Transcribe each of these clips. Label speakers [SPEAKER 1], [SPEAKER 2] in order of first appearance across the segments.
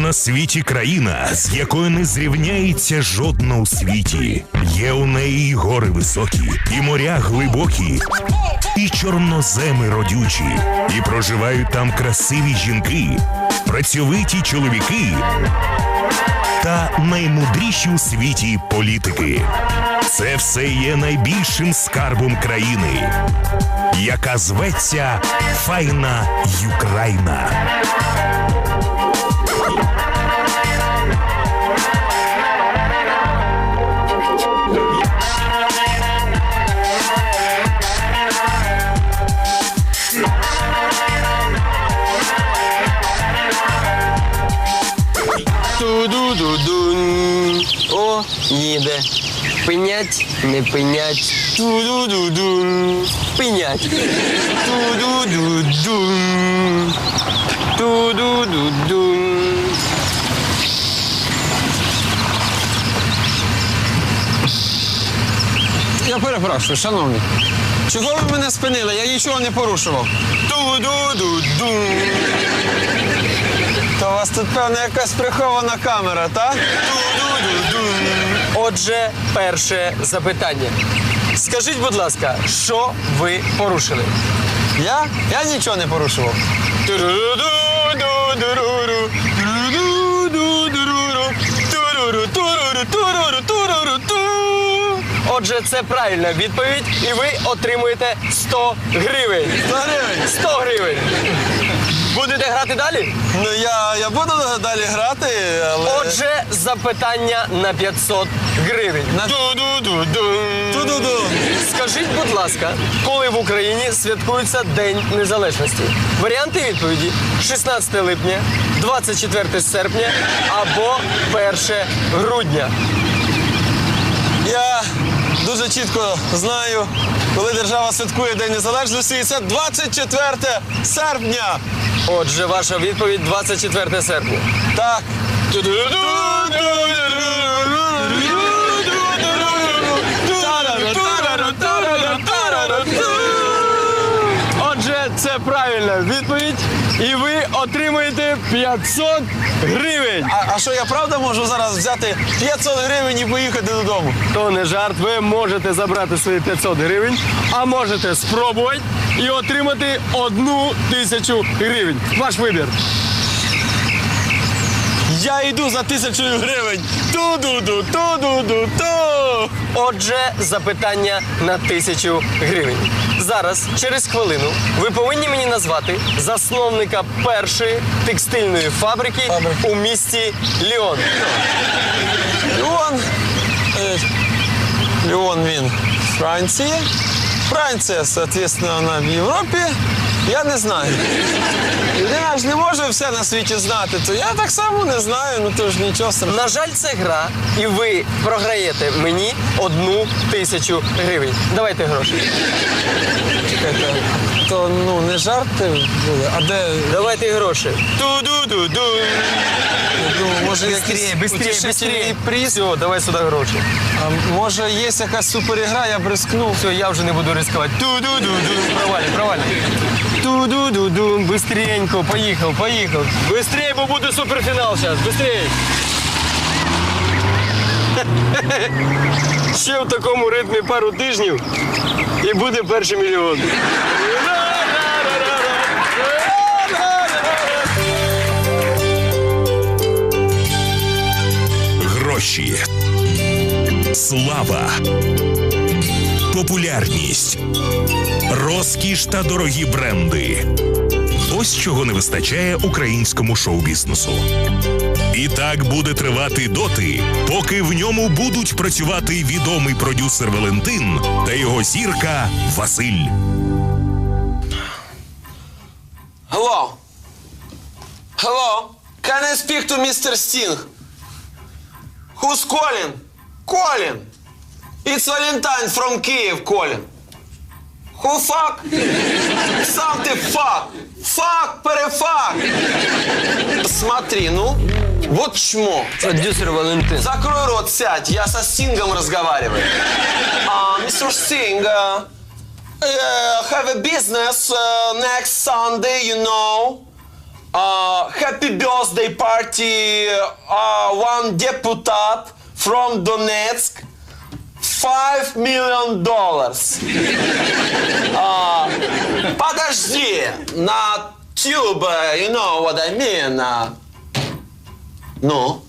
[SPEAKER 1] на світі країна, з якою не зрівняється жодна у світі. Є у неї і гори високі, і моря глибокі, і чорноземи родючі. І проживають там красиві жінки, працьовиті чоловіки та наймудріші у світі політики. Це все є найбільшим скарбом країни, яка зветься Файна Юкраїна.
[SPEAKER 2] Ту-ду-ду-дун. О, їде. Пинять, не пинять. Ту-ду-ду-дун. Пинять. Ту-ду-ду-дун. Ту-ду-ду-дун.
[SPEAKER 3] Я перепрошую, шановні. Чого ви мене спинили? Я нічого не порушував.
[SPEAKER 2] Ту-ду-ду-дун.
[SPEAKER 3] То у вас тут, певно, якась прихована камера, так?
[SPEAKER 2] Отже, перше запитання. Скажіть, будь ласка, що ви порушили?
[SPEAKER 3] Я? Я нічого не порушував.
[SPEAKER 2] Отже, це правильна відповідь, і ви отримуєте 100 гривень.
[SPEAKER 3] 100 гривень?
[SPEAKER 2] 100 гривень. Будете грати далі?
[SPEAKER 3] Ну, я буду далі грати, але...
[SPEAKER 2] Отже, запитання на 500 гривень.
[SPEAKER 3] Ту-ду-ду.
[SPEAKER 2] Скажіть, будь ласка, коли в Україні святкується День Незалежності? Варіанти відповіді: 16 липня, 24 серпня або 1 грудня.
[SPEAKER 3] Я дуже чітко знаю, коли держава святкує День Незалежності, і це 24 серпня.
[SPEAKER 2] Отже, ваша відповідь 24 серпня.
[SPEAKER 3] Так.
[SPEAKER 2] Отже, це правильна відповідь, і ви отримаєте 500 гривень.
[SPEAKER 3] А що, я правда можу зараз взяти 500 гривень і поїхати додому?
[SPEAKER 2] То не жарт, ви можете забрати свої 500 гривень, а можете спробувати і отримати 1000 гривень. Ваш вибір.
[SPEAKER 3] Я йду за 1000 гривень. Ту-ду-ду, ту-ду-ду-ту.
[SPEAKER 2] Отже, запитання на 1000 гривень. Зараз, через хвилину, ви повинні мені назвати засновника першої текстильної фабрики у місті Ліон.
[SPEAKER 3] Ліон він Франція. Франція, соответственно, вона в Європі. Я не знаю. Людина ж не може все на світі знати, то я так само не знаю, ну то ж нічого страшного.
[SPEAKER 2] На жаль, це гра, і ви програєте мені 1000 гривень. Давайте гроші.
[SPEAKER 3] Чекайте, то ну не жарти були, а де...
[SPEAKER 2] Давайте гроші. Ту-ду-ду-ду.
[SPEAKER 3] Я думаю, може
[SPEAKER 2] Быстрее.
[SPEAKER 3] приз?
[SPEAKER 2] Все, давай сюди гроші.
[SPEAKER 3] А може є якась суперігра, я б рискнув.
[SPEAKER 2] Все, я вже не буду ризикувати. Ту-ду-ду-ду. Провалі. Ту-ду-ду-ду. Быстренько. Поїхав. Быстрее, бо буде суперфінал зараз. Быстрее. Ще в такому ритмі пару тижнів і буде перший мільйон.
[SPEAKER 1] Гроші, слава, популярність, розкіш та дорогі бренди. Ось чого не вистачає українському шоу-бізнесу. І так буде тривати доти, поки в ньому будуть працювати відомий продюсер Валентин та його зірка Василь.
[SPEAKER 3] Hello? Can I speak to Mr. Sting? Who's calling? Calling. It's Valentine from Kyiv calling. Who fuck? Something fuck. Fuck, перефак. Смотри, ну, вот чмо.
[SPEAKER 2] Продюсер Валентин.
[SPEAKER 3] Закрой рот, сядь, я со Стингом разговариваю. Mr. Sting, have a business next Sunday, you know. Happy birthday party, one deputat from Donetsk, $5 million. Подожди, на tube, you know what I mean. Ну?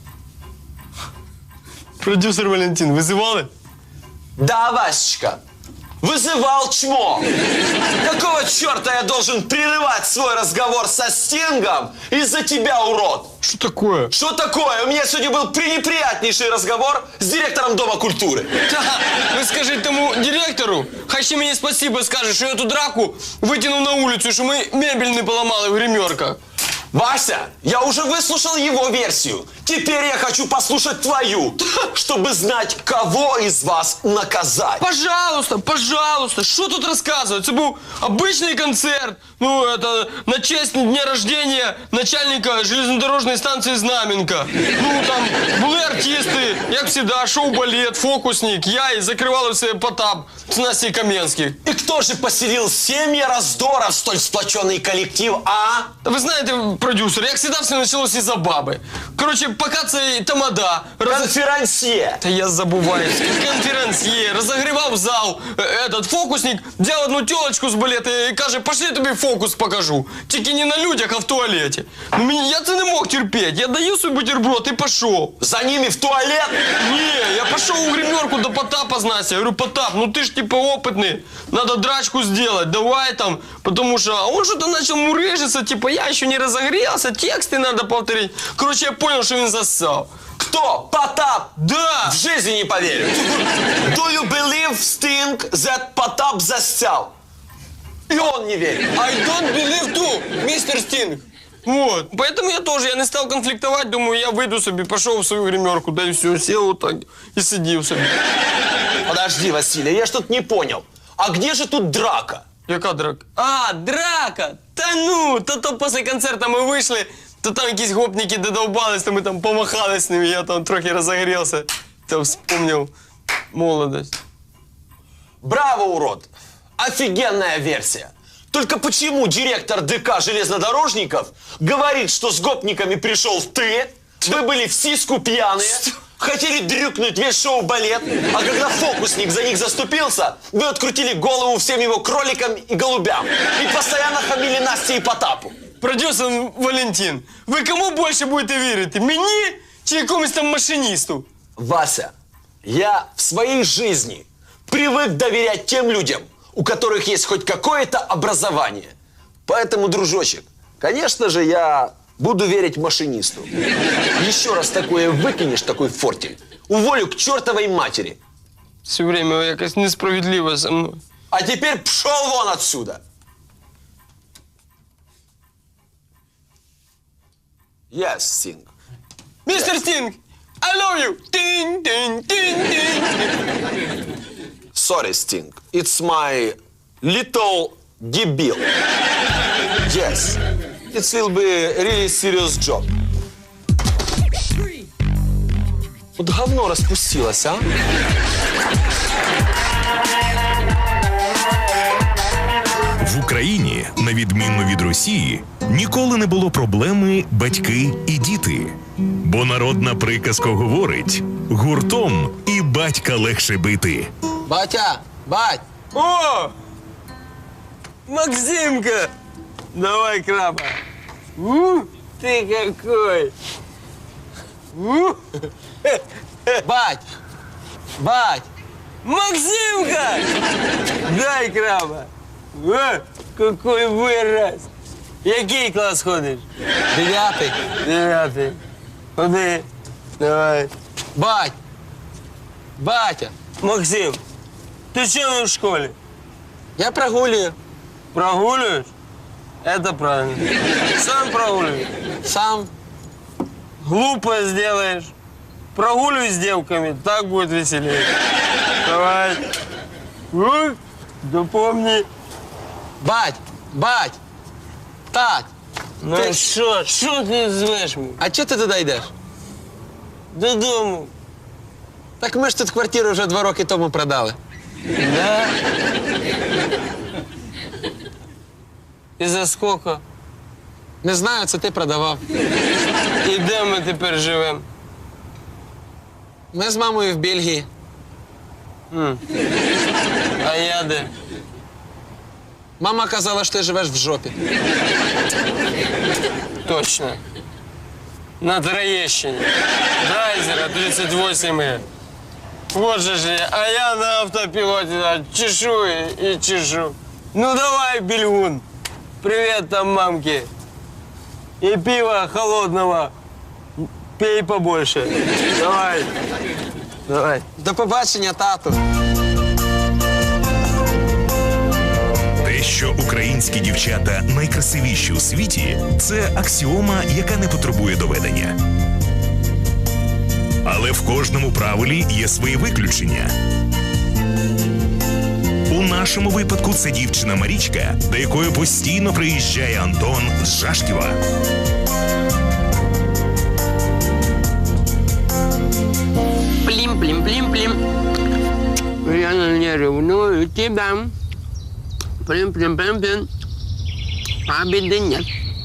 [SPEAKER 2] Продюсер Валентин, визивали?
[SPEAKER 3] Да, Васечка, вызывал чмо. Какого черта я должен прерывать свой разговор со Стингом из-за тебя, урод?
[SPEAKER 2] Що таке?
[SPEAKER 3] Что такое? У меня сегодня был пренеприятнейший разговор с директором Дома культуры.
[SPEAKER 2] Та, ви скажіть тому директору, хай ще мені спасибо скаже, що я ту драку витягнув на вулицю, що ми мебель не поламали в гримерках.
[SPEAKER 3] Вася, я уже выслушал его версию. Теперь я хочу послушать твою, чтобы знать, кого из вас наказать.
[SPEAKER 2] Пожалуйста, пожалуйста, що тут розказувати? Це був обичний концерт, ну, это, на честь дня рождения начальника железнодорожної станції Знаменка. Ну, там були артисти, як завжди, шоу-балет, фокусник, я і закривали все Потап з Настей Кам'янських.
[SPEAKER 3] И кто же поселил семьи раздора в столь сплоченный коллектив, а?
[SPEAKER 2] Та ви знаєте, продюсер, як завжди все почалося із-за баби. Коротше, поки цей тамада...
[SPEAKER 3] Конферансье.
[SPEAKER 2] Та я забуваюсь. Конферансьє, розогрівав зал, этот фокусник взяв одну тілочку з балета і каже, пошли я тобі фокус покажу. Тільки не на людях, а в туалеті. Ну, я це не мог терпіти. Я даю свій бутерброд і пішов.
[SPEAKER 3] За ними в туалет?
[SPEAKER 2] Не, я пошел у гримерку до Потапа с Настей. Я говорю, Потап, ну ты ж типа опытный, надо драчку сделать, давай там, потому что... А он что-то начал мурыжиться, типа я еще не разогрелся, тексты надо повторить. Короче, я понял, что он зассал.
[SPEAKER 3] Кто? Потап?
[SPEAKER 2] Да!
[SPEAKER 3] В жизни не поверю. Do you believe, Sting, that Потап засял? И он не верит.
[SPEAKER 2] I don't believe too, мистер Стинг. Вот, поэтому я не стал конфликтовать, думаю, я выйду себе, пошел в свою гримерку, да и все, сел вот так и сидел себе.
[SPEAKER 3] Подожди, Василий, я что-то не понял. А где же тут драка?
[SPEAKER 2] Яка драка? А, драка! Та ну, то після концерту ми вийшли, то там якісь гопники додовбались, то ми там помахали з ними, я там трохи розогрівся, то вспомнив молодость.
[SPEAKER 3] Браво, урод! Офигенная версия. Только почему директор ДК железнодорожников говорит, что с гопниками пришел ты, вы были в сиську пьяные, хотели дрюкнуть весь шоу-балет, а когда фокусник за них заступился, вы открутили голову всем его кроликам и голубям и постоянно хамили Насте и Потапу.
[SPEAKER 2] Продюсер Валентин, ви кому більше будете вірити, мені чи якомусь там машиністу?
[SPEAKER 3] Вася, я в своей жизни привык доверять тем людям, у которых есть хоть какое-то образование. Поэтому, дружочек, конечно же, я буду верить машинисту. Еще раз такое выкинешь, такой фортель, уволю к чертовой матери.
[SPEAKER 2] Все время якось несправедливо со мною.
[SPEAKER 3] А теперь пшел вон отсюда. Yes, Sting.
[SPEAKER 2] Мистер Стинг, I love you! Тин, тин, тин, тин.
[SPEAKER 3] Sorry, Sting. It's my little debil. Yes. It will be a really serious job. Вот говно распустилось, а?
[SPEAKER 1] В Україні, на відміну від Росії, ніколи не було проблеми батьки і діти. Бо народна приказка говорить: гуртом і батька легше бити.
[SPEAKER 3] Батя, бать!
[SPEAKER 2] О! Максимка! Давай, краба. Ты какой!
[SPEAKER 3] Бать! Бать!
[SPEAKER 2] Максимка! Дай краба. Какой вираз. Який клас ходиш?
[SPEAKER 3] 9.
[SPEAKER 2] 9. Ходи. Давай.
[SPEAKER 3] Бать! Батя!
[SPEAKER 2] Максим, ты что не в школе?
[SPEAKER 3] Я прогуливаю.
[SPEAKER 2] Прогуливаешь? Это правильно. Сам прогуливаешь.
[SPEAKER 3] Сам.
[SPEAKER 2] Глупо сделаешь. Прогуливай с девками, так будет веселее. Давай. Да помни.
[SPEAKER 3] Бать! Бать! Тать!
[SPEAKER 2] Ну
[SPEAKER 3] Ти-
[SPEAKER 2] що ти звеш мене?
[SPEAKER 3] А чого ти туди йдеш?
[SPEAKER 2] Додому.
[SPEAKER 3] Так ми ж тут квартиру вже 2 роки тому продали.
[SPEAKER 2] Да? И за сколько?
[SPEAKER 3] Не знаю, це ти продавав.
[SPEAKER 2] І де ми тепер живемо?
[SPEAKER 3] Ми з мамою в Бельгії.
[SPEAKER 2] А я де?
[SPEAKER 3] Мама казала, що ти живеш в жопі.
[SPEAKER 2] Точно. На Троєщині. Драйзера 38. Вот же ж я. А я на автопілоті чешу і чешу. Ну давай, Бельгун. Привет там мамке. И пива холодного. Пей побольше. Давай. Давай.
[SPEAKER 3] До побачення, тату.
[SPEAKER 1] Те, що українські дівчата найкрасивіші у світі, це аксіома, яка не потребує доведення. Але в кожному правилі є свої виключення. У нашому випадку це дівчина Марічка, до якої постійно приїжджає Антон з Жашківа.
[SPEAKER 2] Плім-плім-плім-плім. Я не ревную тебя. Плім-плім-плім-плім. А біди нет.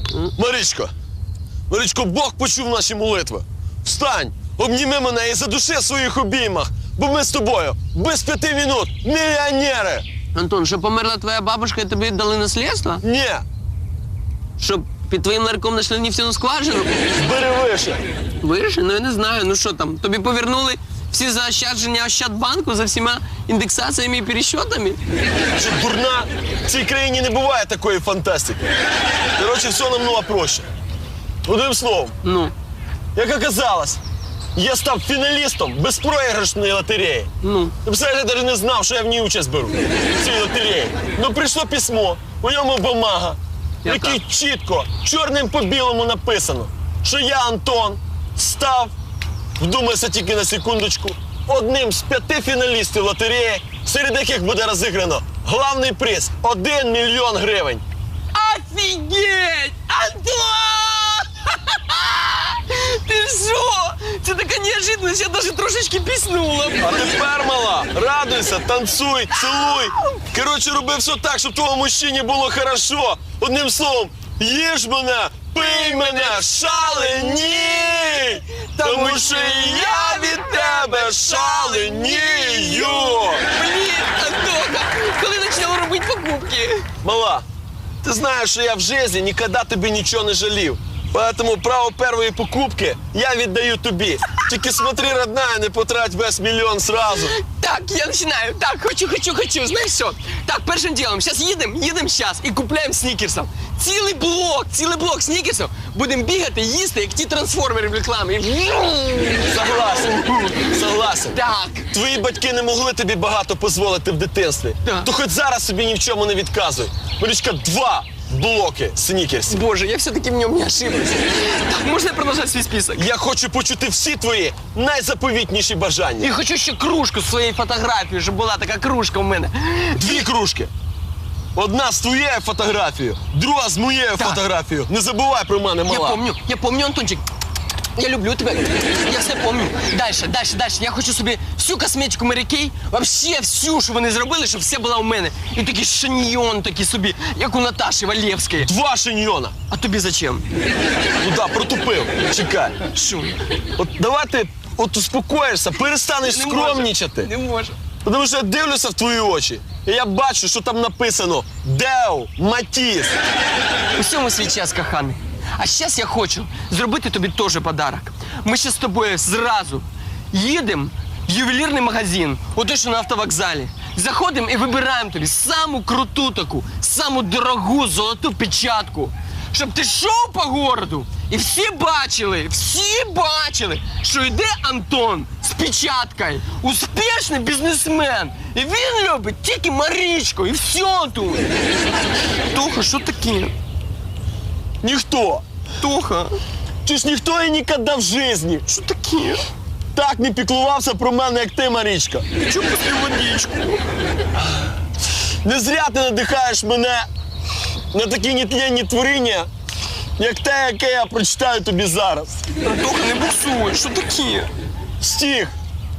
[SPEAKER 4] Марічко, Бог почув наші молитви. Встань, обніми мене і задуши в своїх обіймах, бо ми з тобою без 5 минут мільйонери.
[SPEAKER 2] Антон, що померла твоя бабушка і тобі дали наслідство?
[SPEAKER 4] Ні,
[SPEAKER 2] Щоб під твоїм ларьком знайшли нефтяну скважину?
[SPEAKER 4] бери вище.
[SPEAKER 2] Виріши? Ну я не знаю. Ну що там, тобі повернули всі заощадження Ощадбанку за всіма індексаціями і пересчетами?
[SPEAKER 4] Що дурна, в цій країні не буває такої фантастики. Коротше, все намного проще. Одним словом,
[SPEAKER 2] Ну,
[SPEAKER 4] як оказалось, я став фіналістом безпроіграшної лотереї.
[SPEAKER 2] ну.
[SPEAKER 4] Ти представляєш, я навіть не знав, що я в ній участь беру, в цій лотереї. Ну прийшло письмо, у ньому бумага, в
[SPEAKER 2] Яка?
[SPEAKER 4] якій чітко, чорним по білому написано, що я, Антон, став, вдумайся тільки на секундочку, одним з 5 фіналістів лотереї, серед яких буде розіграно главний приз – 1 мільйон гривень.
[SPEAKER 2] Офігеть! Антон! Ти що? Це така неожиданность, я навіть трошечки піснула.
[SPEAKER 4] А тепер, мала, радуйся, танцуй, цілуй. Коротше, роби все так, щоб твоєму мужчині було хорошо. Одним словом, їж мене, пий мене, шаленій! Тому що і я від тебе шаленію!
[SPEAKER 2] Блін, Антоха, коли почнемо робити покупки?
[SPEAKER 4] Мала, ти знаєш, що я в житті ніколи тобі нічого не жалів. Поэтому право першої покупки я віддаю тобі. Тільки смотри, родная, не потрать весь мільйон сразу.
[SPEAKER 2] Так, я починаю. Так, хочу. Знаєш що? Так, першим ділом, зараз їдемо зараз і купляємо снікерсів. Цілий блок снікерсів. Будемо бігати, їсти, як ті трансформери в рекламі.
[SPEAKER 4] Согласен.
[SPEAKER 2] Так.
[SPEAKER 4] Твої батьки не могли тобі багато дозволити в дитинстві.
[SPEAKER 2] Так.
[SPEAKER 4] То хоч зараз собі ні в чому не відказуй. Марічка, 2 блоки снікерсів.
[SPEAKER 2] Боже, я все-таки в ньому не ошиблась. Так, можна я продовжати свій список?
[SPEAKER 4] Я хочу почути всі твої найзаповітніші бажання.
[SPEAKER 2] І хочу ще кружку з своєю фотографією, щоб була така кружка у мене.
[SPEAKER 4] 2 кружки. Одна з твоєю фотографією, друга з моєю фотографією. Не забувай про мене, мала.
[SPEAKER 2] Я помню, Антончик. Я люблю тебе. Я все помню. Дальше. Я хочу собі всю косметику Mary Kay, вообще всю, що вони зробили, щоб все була у мене. І такий шаньйон такий собі, як у Наташі Валєвської.
[SPEAKER 4] 2 шиньйона.
[SPEAKER 2] А тобі зачем?
[SPEAKER 4] Ну да, протупив. Чекай.
[SPEAKER 2] Що?
[SPEAKER 4] От давай ти успокоїшся, перестанеш скромнічати.
[SPEAKER 2] Не можу.
[SPEAKER 4] Тому що я дивлюся в твої очі, і я бачу, що там написано «Деу Матіс».
[SPEAKER 2] Усьому свій час, коханий. А зараз я хочу зробити тобі теж подарок. Ми ще з тобою зразу їдемо в ювелірний магазин, ото що на автовокзалі. Заходимо і вибираємо тобі саму круту таку, саму дорогу золоту печатку. Щоб ти йшов по городу і всі бачили, що йде Антон з печаткою, успішний бізнесмен. І він любить тільки Марічку, і все тут. Тоха, що таке?
[SPEAKER 4] Ніхто.
[SPEAKER 2] Тоха,
[SPEAKER 4] Чи ж ніхто і ніколи в житті
[SPEAKER 2] що таке?
[SPEAKER 4] так не піклувався про мене, як ти, Марічка.
[SPEAKER 2] Чому після водичку?
[SPEAKER 4] Не зря ти надихаєш мене на такі нетленні творіння, як те, яке я прочитаю тобі зараз.
[SPEAKER 2] Тоха, не буксуй, що таке?
[SPEAKER 4] Стих.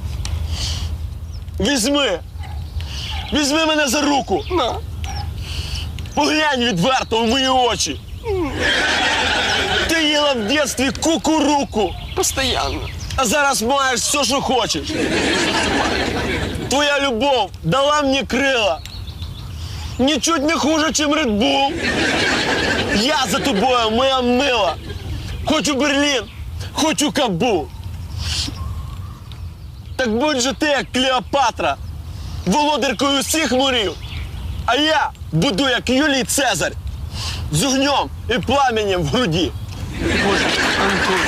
[SPEAKER 4] Візьми мене за руку.
[SPEAKER 2] На.
[SPEAKER 4] Поглянь відверто в мої очі. ходила в дитинстві кукуруку,
[SPEAKER 2] Постоянно.
[SPEAKER 4] а зараз маєш все, що хочеш. Твоя любов дала мені крила. Нічуть не хуже, чим Red Bull. Я за тобою, моя мила. Хочу Берлін, хочу Кабул. Так будь же ти, як Клеопатра, володаркою всіх морів. А я буду, як Юлій Цезарь, з огнем і пламенем в груді.
[SPEAKER 2] Боже, Антон.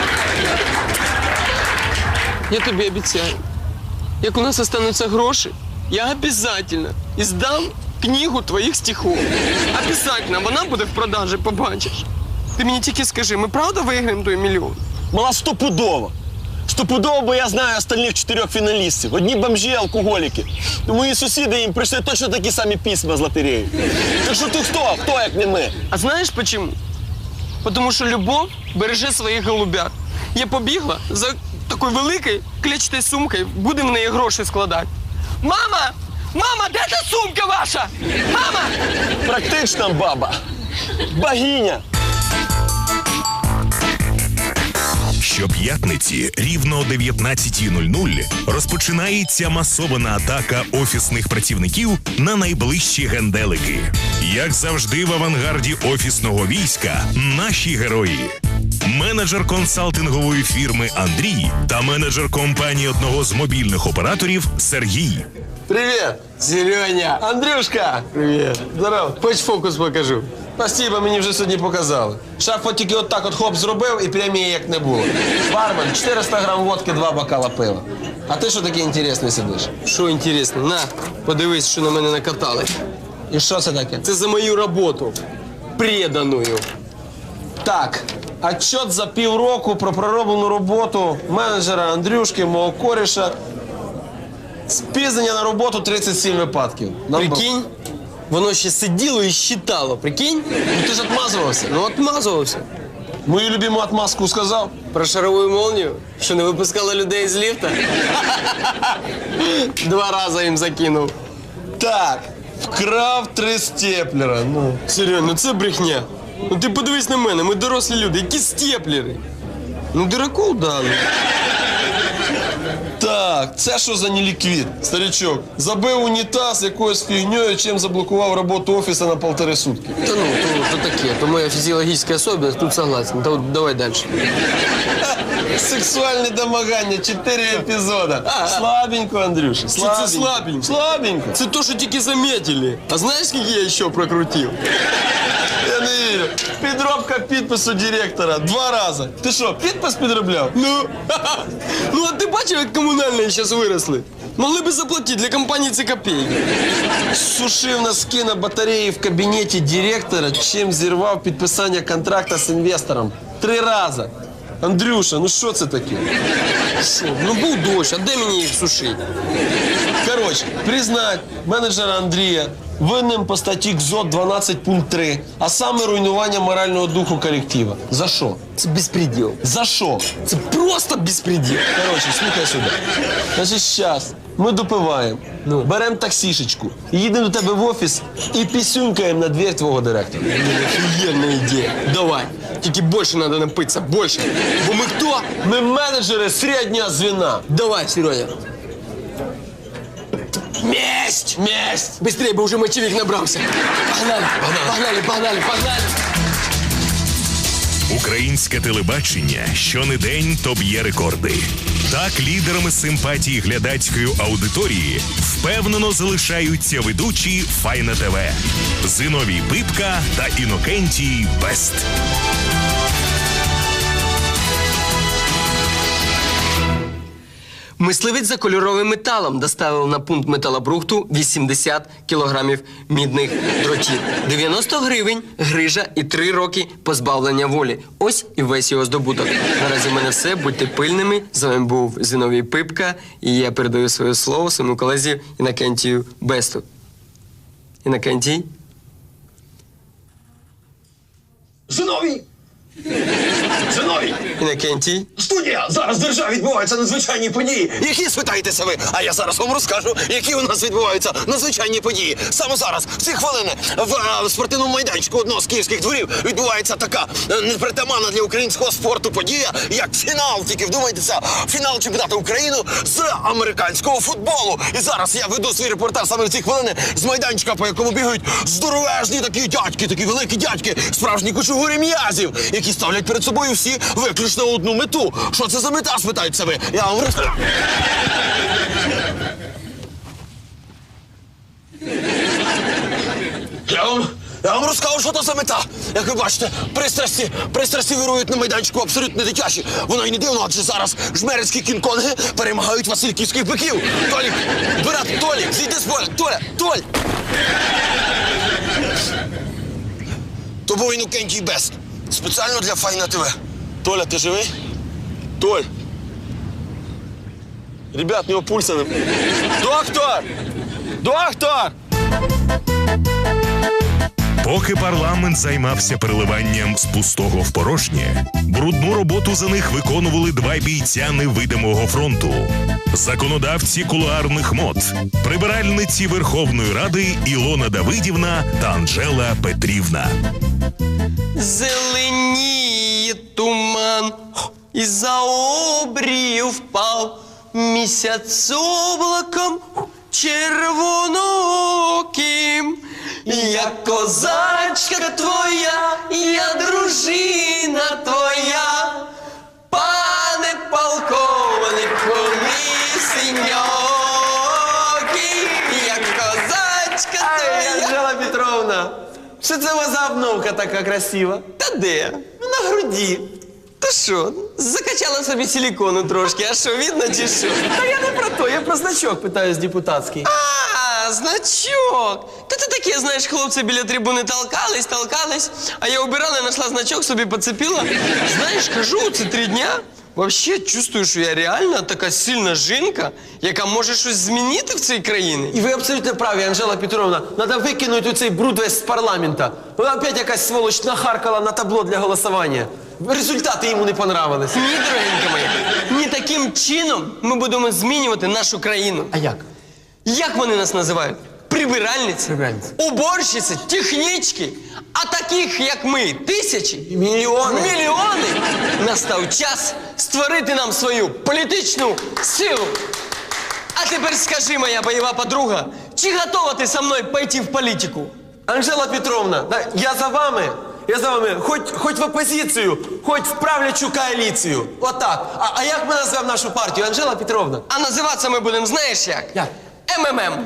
[SPEAKER 2] Я тобі обіцяю, як у нас остануться гроші, я обязательно издам книгу твоїх стихов. Обязательно, вона буде в продажі, побачиш. Ти мені тільки скажи, ми правда виграємо той мільйон?
[SPEAKER 4] Мала стопудово. Стопудово, бо я знаю остальних 4 фіналістів. Одні бомжі, алкоголіки. Мої сусіди їм прийшли точно такі самі письма з лотереї. Так що ти хто? Хто, як не ми?
[SPEAKER 2] А знаєш почему? Потому що любов береже своїх голубят. Я побігла за такою великою клетчатою сумкою, будемо в неї гроші складати. Мама! Мама, де та сумка ваша? Мама!
[SPEAKER 4] Практична баба. Богиня.
[SPEAKER 1] Щоп'ятниці рівно о 19:00 розпочинається масована атака офісних працівників на найближчі генделики. Як завжди в авангарді офісного війська наші герої. Менеджер консалтингової фірми Андрій та менеджер компанії одного з мобільних операторів Сергій.
[SPEAKER 2] Привіт, Сереня.
[SPEAKER 3] Андрюшка!
[SPEAKER 2] Привіт.
[SPEAKER 3] Здорово.
[SPEAKER 2] Хоч фокус покажу.
[SPEAKER 3] Спасибо, мені вже сьогодні показали. Шеф от тільки отак от хоп зробив і премії як не було. Бармен, 400 грам водки, 2 бокала пива. А ти що такий інтересний сидиш?
[SPEAKER 2] Що інтересно, на, подивись, що на мене накатали.
[SPEAKER 3] І що це таке?
[SPEAKER 2] Це за мою роботу. Преданою.
[SPEAKER 3] Так, отчет за півроку про пророблену роботу менеджера Андрюшки, мого коріша. Спізнення на роботу 37 випадків.
[SPEAKER 2] Прикинь, воно ще сиділо і щитало, прикинь?
[SPEAKER 3] Ну ти ж отмазувався.
[SPEAKER 2] Ну, отмазувався.
[SPEAKER 3] Мою любиму отмазку сказав.
[SPEAKER 2] Про шарову молнію, що не випускала людей з ліфта. 2 рази їм закинув.
[SPEAKER 3] Так, вкрав 3 степлера. Ну.
[SPEAKER 2] Серйозно, ну це брехня. Ну ти подивись на мене, ми дорослі люди, які степлери. Ну, дураку дали.
[SPEAKER 3] Так, це що за неліквід, старичок? Забив унітаз якоюсь фігньою, чим заблокував роботу офісу на 1,5 сутки.
[SPEAKER 2] Та ну, то таке, то моя фізіологічна особливість, тут согласен. Та от давай далі.
[SPEAKER 3] Сексуальне домагання, 4 епізода. Слабенько, Андрюша,
[SPEAKER 2] Що
[SPEAKER 3] слабенько.
[SPEAKER 2] це слабенько?
[SPEAKER 3] Слабенько.
[SPEAKER 2] Це то, що тільки заметили. А знаєш, скільки я ще прокрутив?
[SPEAKER 3] Я не вірю. Підробка підпису директора 2 рази. Ти що, підпис підробляв?
[SPEAKER 2] Ну, ну а ти бачив, як комунальні зараз виросли? Могли би заплатити, для компанії це копійки.
[SPEAKER 3] Сушив носки на батареї в кабінеті директора, чим зірвав підписання контракта з інвестором. 3 рази. Андрюша, ну що це таке?
[SPEAKER 2] Що? Ну був дощ, а де мені їх сушити?
[SPEAKER 3] Коротше, признать менеджера Андрія винним по статті КЗОТ 12 пункт 3, а саме руйнування морального духу колектива. За що?
[SPEAKER 2] Це безпреділ.
[SPEAKER 3] За що?
[SPEAKER 2] Це просто безпреділ.
[SPEAKER 3] Коротше, слухай сюди. Значить, зараз ми допиваємо, беремо таксішечку, їдемо до тебе в офіс і пісюнькаємо на двір твого директора.
[SPEAKER 2] Офігенна ідея. Давай. Тільки більше треба напитися, більше. Бо ми хто?
[SPEAKER 3] Ми менеджери середнього звіна.
[SPEAKER 2] Давай, Сереня. Месть!
[SPEAKER 3] Месть!
[SPEAKER 2] Быстрее, бо вже мочевик набрався. Погнали, погнали, погнали, погнали.
[SPEAKER 1] Українське телебачення щонедень то б'є рекорди. Так лідерами симпатії глядацької аудиторії впевнено залишаються ведучі Файна ТВ Зиновій Пипка та Інокентій Бест.
[SPEAKER 2] Мисливець за кольоровим металом доставив на пункт металобрухту 80 кілограмів мідних дротів. 90 гривень, грижа і 3 роки позбавлення волі. Ось і весь його здобуток. Наразі в мене все. Будьте пильними. З вами був Зиновій Пипка. І я передаю своє слово своєму колезі Інокентію Бесту. Інокентій?
[SPEAKER 5] Зиновій!
[SPEAKER 4] Зиновій!
[SPEAKER 2] Інокентій.
[SPEAKER 4] Студія! Зараз в державі відбуваються надзвичайні події. Які, спитаєтеся ви? А я зараз вам розкажу, які у нас відбуваються надзвичайні події. Саме зараз, в ці хвилини, в спортивному майданчику одного з київських дворів відбувається така непритаманна для українського спорту подія, як фінал. Тільки вдумайтеся, фінал чемпіонату України з американського футболу. І зараз я веду свій репортаж саме в ці хвилини з майданчика, по якому бігають здоровезні такі дядьки, такі великі дядьки, справжні кучугурі м'язів, які ставлять перед собою всі виключно одну мету. Що це за мета, спитаєтеся ви? Я вам розкажу. Я вам розкажу, що це за мета. Як ви бачите, пристрасті вирують на майданчику абсолютно дитячі. Воно й не дивно, адже зараз жмерицькі кінг-конги перемагають васильківських биків. Толік, брат, Толік, зійди з поля. Толь! То був Інокентій Бест. Спеціально для Файна ТВ. Толя, ти живий? Толь. Ребят, у нього пульса не... Доктор! Доктор!
[SPEAKER 1] Поки парламент займався переливанням з пустого в порожнє, брудну роботу за них виконували два бійця невидимого фронту. Законодавці кулуарних мод, прибиральниці Верховної Ради Ілона Давидівна та Анжела Петрівна.
[SPEAKER 2] Зеленіє туман, із-за обрію впав місяць облаком червонооким. Я козачка твоя, я дружина твоя, пане полковнику Лисеньокий. Я козачка твоя.
[SPEAKER 5] Анжела Петровна, що це у вас за обновка така красива?
[SPEAKER 2] Та де? На груді. Та що, закачала собі силікону трошки, а що, видно чи що?
[SPEAKER 5] Та я не про то, я про значок питаюсь депутатський.
[SPEAKER 2] А, значок. Та ти таке, знаєш, хлопці біля трибуни толкались, а я убирала, знайшла значок, собі поцепила. Знаєш, кажу, це 3 дня. Вообще чувствую, що я реально така сильна жінка, яка може щось змінити в цій країні.
[SPEAKER 5] І ви абсолютно праві, Анжела Петровна. Надо викинути цей бруд весь з парламента. Вона опять якась сволоч нахаркала на табло для голосування. Результати йому не понравились.
[SPEAKER 2] Ні, дорогенька моя, ні таким чином ми будемо змінювати нашу країну.
[SPEAKER 5] А як?
[SPEAKER 2] Як вони нас називають? Прибиральниці,
[SPEAKER 5] Прибиральниці.
[SPEAKER 2] уборщиці, технічки. А таких, як ми, тисячі,
[SPEAKER 5] Мільйони.
[SPEAKER 2] мільйони. Настав час створити нам свою політичну силу. А тепер скажи, моя бойова подруга, чи готова ти со мною пойти в політику?
[SPEAKER 5] Анжела Петровна, да, я за вами, хоть в опозицію, хоть в правлячу коаліцію. Отак. А як ми назвемо нашу партію, Анжела Петровна?
[SPEAKER 2] А називатися ми будемо, знаєш як?
[SPEAKER 5] Як?
[SPEAKER 2] МММ.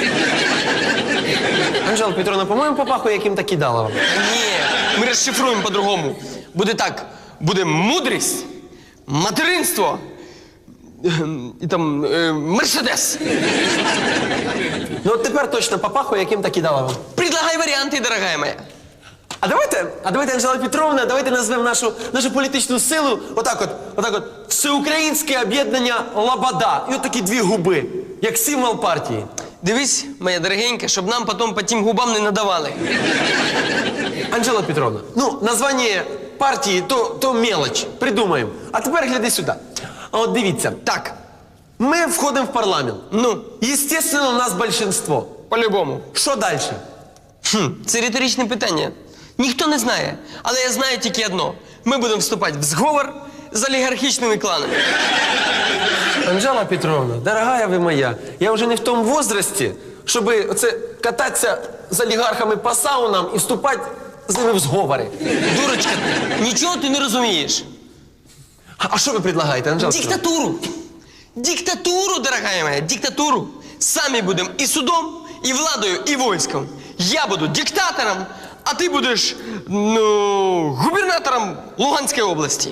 [SPEAKER 5] Анжела Петровна, по-моєму, попахує яким-то кидаловим.
[SPEAKER 2] Ні, ми розшифруємо по-другому. Буде так, буде мудрість, материнство і там Мерседес.
[SPEAKER 5] Ну от тепер точно попахує яким-то кидаловим.
[SPEAKER 2] Предлагай варіанти, дорогая моя.
[SPEAKER 5] А давайте, Анжела Петровна, давайте назвемо нашу політичну силу отак от, Всеукраїнське об'єднання Лобода. І от такі 2 губи, як символ партії.
[SPEAKER 2] Дивись, моя дорогенька, щоб нам потім по тим губам не надавали.
[SPEAKER 5] Анжела Петровна, ну, названня партії то мелоч, придумаємо. А тепер гляди сюди. А от дивіться,
[SPEAKER 2] Так,
[SPEAKER 5] ми входимо в парламент.
[SPEAKER 2] ну,
[SPEAKER 5] Естественно, у нас большинство.
[SPEAKER 2] по-любому.
[SPEAKER 5] Що далі?
[SPEAKER 2] Це риторичне питання. Ніхто не знає, але я знаю тільки одно. Ми будемо вступати в зговор з олігархічними кланами.
[SPEAKER 5] Анжела Петровна, дорогая ви моя, я вже не в тому возрасті, щоб оце кататися з олігархами по саунам і вступати з ними в зговори.
[SPEAKER 2] Дурочка ти, нічого ти не розумієш.
[SPEAKER 5] А що ви предлагаєте, Анжела Петровна?
[SPEAKER 2] Диктатуру. Диктатуру, дорогая моя, диктатуру. Самі будемо і судом, і владою, і військом. Я буду диктатором, а ти будеш, губернатором Луганської області.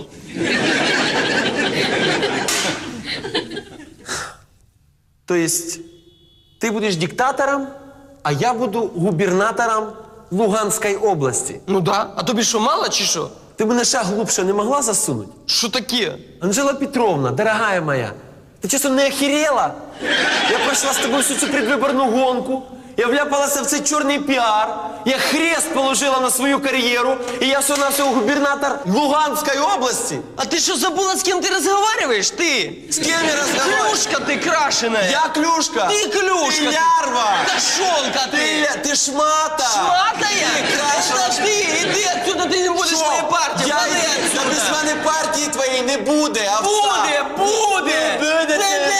[SPEAKER 5] То есть ти будеш диктатором, а я буду губернатором Луганської області.
[SPEAKER 2] Ну да, а тобі що, мало чи що?
[SPEAKER 5] Ти мене шаг глубже не могла засунуть?
[SPEAKER 2] Що таке?
[SPEAKER 5] Анжела Петровна, дорогая моя, ты часом не охерела? Я прошла с тобой всю цю предвыборную гонку. я вляпалася в цей чорний піар, я хрест положила на свою кар'єру, і я всього-навсього губернатор Луганської області.
[SPEAKER 2] А ти що забула, з ким ти розговорюєш? Ти?
[SPEAKER 5] З ким я розмовляю?
[SPEAKER 2] Клюшка ти крашеная.
[SPEAKER 5] Я клюшка.
[SPEAKER 2] Ти клюшка.
[SPEAKER 5] Ти лярва.
[SPEAKER 2] Кошонка ти.
[SPEAKER 5] Ти шмата.
[SPEAKER 2] Шматая?
[SPEAKER 5] Ти крашена.
[SPEAKER 2] Подожди, іди отсюда, ти не будеш
[SPEAKER 5] Що?
[SPEAKER 2] моєї партії.
[SPEAKER 5] Я
[SPEAKER 2] Вали
[SPEAKER 5] та
[SPEAKER 2] отсюда.
[SPEAKER 5] без мене партії твоєї не буде, овца.
[SPEAKER 2] Буде, буде.
[SPEAKER 5] Буде.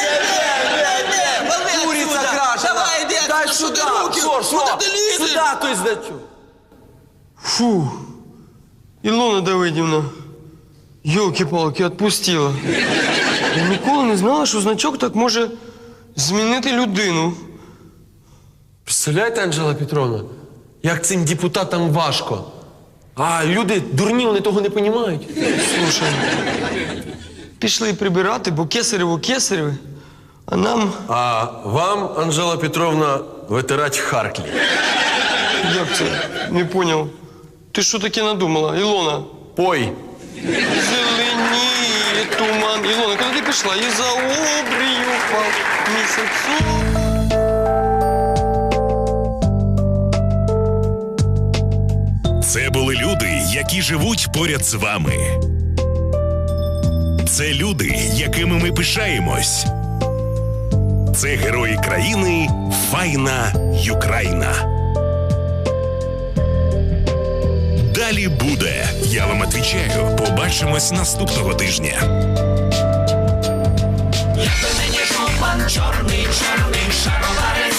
[SPEAKER 2] Вали
[SPEAKER 5] Куриця
[SPEAKER 2] отсюда.
[SPEAKER 5] крашена.
[SPEAKER 2] Давай, іди
[SPEAKER 5] Дай
[SPEAKER 2] отсюда.
[SPEAKER 5] сюди.
[SPEAKER 2] Руки.
[SPEAKER 5] Що?
[SPEAKER 2] Куди ти лізеш?
[SPEAKER 5] Сюди, той здачу.
[SPEAKER 2] Фу. Ілона Давидівна, йолки-палки, відпустила. Я ніколи не знала, що значок так може змінити людину.
[SPEAKER 5] Представляєте, Анжела Петровна, як цим депутатам важко. А люди дурні, вони того не розуміють.
[SPEAKER 2] Слушай, пішли прибирати, бо кесарево, а нам...
[SPEAKER 5] А вам, Анжела Петровна, витирать Харклі.
[SPEAKER 2] Як це? Не поняв. Ти що таке надумала, Ілона?
[SPEAKER 5] Пой.
[SPEAKER 2] Зеленіє туман. Ілона, куди ти пішла? І за обрію впав місяцю.
[SPEAKER 1] Це були люди, які живуть поряд з вами. Це люди, якими ми пишаємось. Це герої країни Файна Юкраїна. Далі буде. Я вам відповідаю. Побачимось наступного тижня.
[SPEAKER 6] Якби мені жупан чорний, шаровари